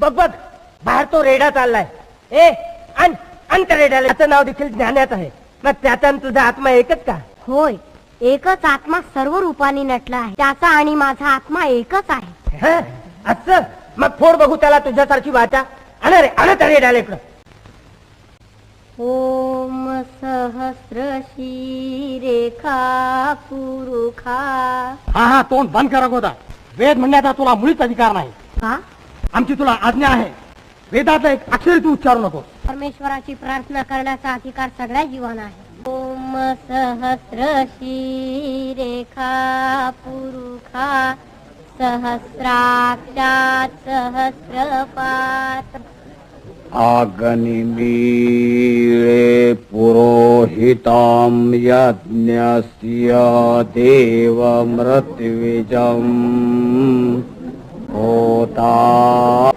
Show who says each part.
Speaker 1: बघ बघ, बाहेर तो रेडा चाललाय. ए आण आण त्या रेड्याला. त्याचं नाव देखील ज्ञानात आहे. मग त्याचा आणि तुझा आत्मा एकच का?
Speaker 2: होय, एकच आत्मा सर्व रूपाने नटला आहे. त्याचा आणि माझा आत्मा एकच आहे.
Speaker 1: हं? असं मग फोड बघू त्याला तुझ्यासारखी वाचा. आण रे, आण त्या रेड्याला इकडं.
Speaker 2: ओम सहस्र शीरेखा पुरुखा.
Speaker 3: हा हा, तोंड बंद करा गोदा. वेद म्हणण्याचा तुला मुळीच अधिकार नाही.
Speaker 2: का?
Speaker 3: आमची तुला आज्ञा आहे. वेदाचा एक अक्षरी तू उच्चारू नको.
Speaker 2: परमेश्वराची प्रार्थना करण्याचा अधिकार सगळ्या जीवांना आहे. ओम सहस्र शीरेखा पुरुखा सहस्राक्षात सहस्रपात.
Speaker 4: अग्निमीळे पुरोहितं यज्ञस्य देवमृत्विजम् होता